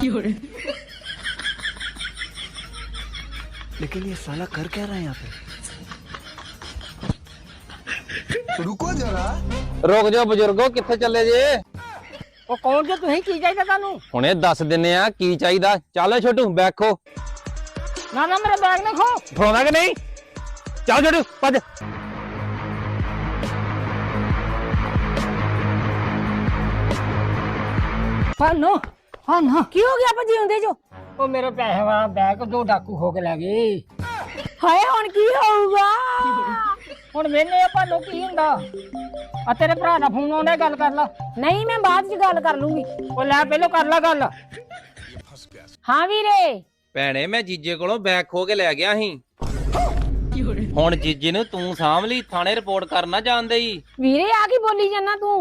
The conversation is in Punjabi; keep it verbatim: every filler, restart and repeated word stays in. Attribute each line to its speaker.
Speaker 1: लेकिन ये साला कर क्या रहा है यहाँ पे? रुको जरा।
Speaker 2: रुक जाओ बुजुर्गो, किथे चले जे?
Speaker 3: ਉਹ ਕੌਣ ਜੇ ਤੁਸੀਂ ਕੀ ਚਾਹੀਦਾ ਤੁਹਾਨੂੰ?
Speaker 2: ਹੁਣੇ ਦੱਸ ਦਿੰਨੇ ਆ ਕੀ ਚਾਹੀਦਾ। ਚੱਲ ਛੋਟੂ ਬੈਠੋ।
Speaker 3: ਨਾ ਨਾ ਮੇਰਾ ਬੈਗ ਨਾ ਖੋ।
Speaker 2: ਫੜਾਉਣਾ ਕਿ ਨਹੀਂ? ਚੱਲ ਛੋਟੂ ਭੱਜ।
Speaker 3: ਫਾਨੋ ਫਾਨੋ
Speaker 4: ਕੀ ਹੋ ਗਿਆ ਭਾਜੀ ਹੁੰਦੇ ਜੋ?
Speaker 3: ਉਹ ਮੇਰੇ ਪੈਸੇ ਵਾਲਾ ਬੈਗ ਦੋ ਡਾਕੂ ਖੋ ਕੇ ਲੈ ਗਏ।
Speaker 4: ਹਾਏ ਹੁਣ ਕੀ ਹੋਊਗਾ?
Speaker 3: ਹੁਣ ਮੈਨੇ ਆਪਾਂ ਨੂੰ ਕੀ ਹੁੰਦਾ? ਆ ਤੇਰੇ ਭਰਾ ਦਾ ਫੋਨ ਆਉਂਦਾ, ਗੱਲ ਕਰ ਲਾ।
Speaker 4: ਨਹੀਂ ਮੈਂ ਬਾਅਦ ਚ ਗੱਲ ਕਰ ਲੂੰਗੀ।
Speaker 3: ਉਹ ਲੈ ਪਹਿਲਾਂ ਕਰ ਲਾ ਗੱਲ।
Speaker 4: ਹਾਂ ਵੀਰੇ।
Speaker 2: ਭੈਣੇ ਮੈਂ ਜੀਜੇ ਕੋਲੋਂ ਬੈਗ ਖੋ ਕੇ ਲੈ ਗਿਆ ਸੀ। ਹੁਣ ਜੀਜੇ ਨੂੰ ਤੂੰ ਸਾਂਭ ਲਈ, ਥਾਣੇ ਰਿਪੋਰਟ ਕਰਨਾ ਜਾਣਦੇ ਹੀ।
Speaker 4: ਵੀਰੇ ਆ ਕੀ ਬੋਲੀ ਜਾਂਦਾ ਤੂੰ?